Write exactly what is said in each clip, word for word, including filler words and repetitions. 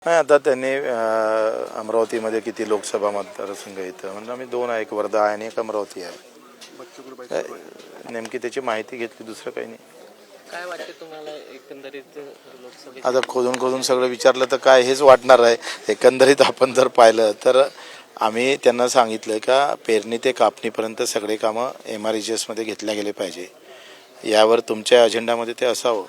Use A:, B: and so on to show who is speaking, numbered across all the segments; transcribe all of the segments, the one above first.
A: नाही, आता त्यांनी अ, अमरावतीमध्ये किती लोकसभा मतदारसंघ येतं म्हणजे आम्ही दोन आहे, एक वर्धा आहे आणि एक अमरावती आहे. अ, नेमकी त्याची माहिती घेतली, दुसरं काही नाही.
B: काय वाटते तुम्हाला एकंदरीत लोकसभेत?
A: आता खोदून खोदून सगळं विचारलं तर काय हेच वाटणार आहे. एकंदरीत आपण जर पाहिलं तर आम्ही त्यांना सांगितलं का पेरणी ते कापणीपर्यंत सगळे कामं एम आर एच एसमध्ये घेतल्या गेले पाहिजे. यावर तुमच्या अजेंडामध्ये ते असावं.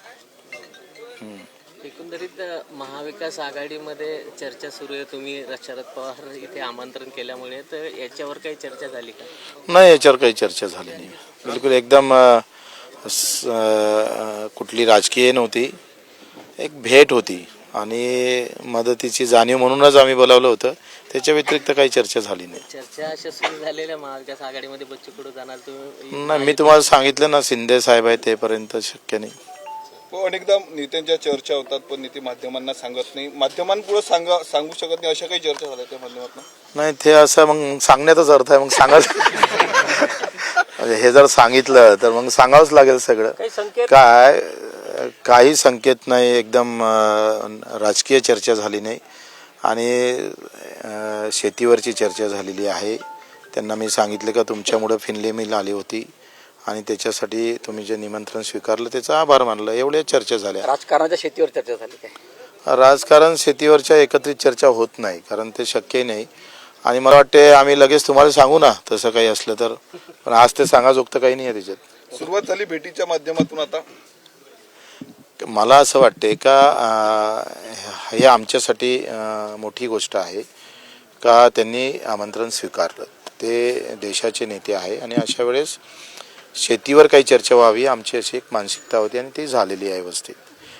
B: एकंदरीत महाविकास आघाडीमध्ये चर्चा सुरू आहे. तुम्ही शरद पवार इथे आमंत्रण केल्यामुळे तर याच्यावर काही चर्चा झाली का?
A: नाही, याच्यावर काही चर्चा झाली नाही. बिलकुल एकदम अ, स- अ, कुठली राजकीय नव्हती, एक भेट होती आणि मदतीची जाणीव म्हणूनच आम्ही बोलावलं होतं. त्याच्या व्यतिरिक्त काही चर्चा झाली नाही.
B: चर्चा अशा सुरू झालेल्या महाविकास आघाडीमध्ये बच्चू कडू जाणार तुम्ही?
A: नाही, मी तुम्हाला सांगितलं ना, शिंदे साहेब आहे तेपर्यंत शक्य नाही.
C: हो, अनेकदा नेत्यांच्या चर्चा होतात पण नेते माध्यमांना सांगत नाही, माध्यमांपुढे सांगा सांगू शकत नाही, अशा काही चर्चा झाल्या त्या माध्यमातून?
A: नाही, ते असं मग सांगण्याचाच अर्थ आहे. मग सांगाच म्हणजे हे जर सांगितलं तर मग सांगावंच लागेल सगळं.
B: काही संकेत?
A: काय काही संकेत नाही, एकदम अं, राजकीय चर्चा झाली नाही आणि अं, शेतीवरची चर्चा झालेली आहे. त्यांना मी सांगितलं का तुमच्यामुळं फिनले मिल आली होती आणि त्याच्यासाठी तुम्ही जे निमंत्रण स्वीकारलं त्याचा आभार मानलं. एवढ्या चर्चा झाल्या.
B: राजकारणाच्या शेतीवर चर्चा झाली काय?
A: राजकारण शेतीवरच्या एकत्रित चर्चा होत नाही, कारण ते शक्यही नाही. आणि मला वाटते आम्ही लगेच तुम्हाला सांगू ना तसं काही असलं तर, पण आज ते सांगाजोगतं काही नाही आहे त्याच्यात.
C: सुरुवात झाली भेटीच्या माध्यमातून. आता
A: मला असं वाटते का अं, हे आमच्यासाठी अं, मोठी गोष्ट आहे का त्यांनी आमंत्रण स्वीकारलं. ते देशाचे नेते आहे आणि अशा वेळेस शेतीवर काही चर्चा व्हावी आमची अशी एक मानसिकता होती आणि ती झालेली आहे व्यवस्थित.